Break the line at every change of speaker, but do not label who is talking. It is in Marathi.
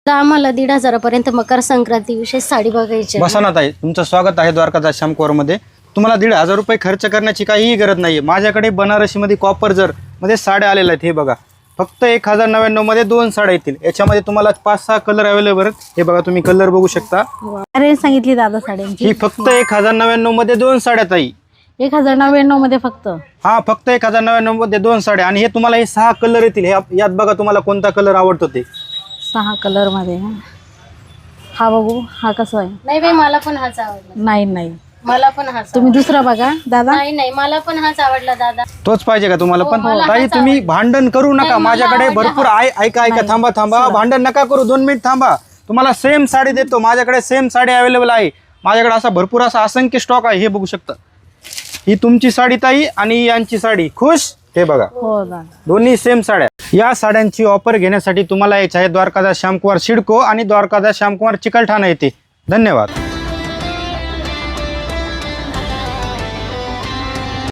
आम्हाला 1,500 पर्यंत मकर संक्रांती विशेष साडी बघायची आहे.
बसा ना ताई, तुमचं स्वागत आहे द्वारकादास श्यामकुमार मध्ये. तुम्हाला 1,500 रुपये खर्च करण्याची काहीही गरज नाहीये. माझ्याकडे बनारसी मध्ये कॉपर जर मध्ये साड्या आलेल्या आहेत. हे बघा, फक्त 1,099 मध्ये 2 साड्या येतील. याच्यामध्ये तुम्हाला 5-6 कलर अवेलेबल आहेत. हे बघा, तुम्ही कलर बघू शकता.
अरे सांगितली दादा साड्यांची
ही फक्त 1,099 मध्ये 2 साड्या ताई.
1,099 मध्ये फक्त.
हा, फक्त 1,099 मध्ये 2 साड्या. आणि हे तुम्हाला हे 6 कलर येतील. हे यात बघा तुम्हाला कोणता कलर आवडतो ते.
6 कलर मध्ये. हा बघू, हा कसा आहे?
नाही बाई, मला पण हाच आवडला.
नाही
मला पण हाच.
तुम्ही दुसरा बघा दादा.
नाही मला पण हाच आवडला दादा.
तोच पाहिजे का तुम्हाला पण?
मला
ताई
हाच
तुम्ही भांडण करू नका.
नाही, मला
माझ्याकडे
आवडला
भरपूर ऐका थांबा. भांडण नका करू. 2 मिनिट थांबा. तुम्हाला सेम साडी देतो. माझ्याकडे सेम साडी अवेलेबल आहे. माझ्याकडे असा भरपूर असा असंख्य स्टॉक आहे. हे बघू शकता. ही तुमची साडी ताई आणि यांची साडी. खुश? हे बघा,
हो दादा.
दोन्ही सेम साड्या. या साड्यांची ऑफर घेण्यासाठी तुम्हाला यायचं आहे द्वारकादास श्यामकुमार सिडको आणि द्वारकादास श्यामकुमार चिकलठाणा येथे. धन्यवाद.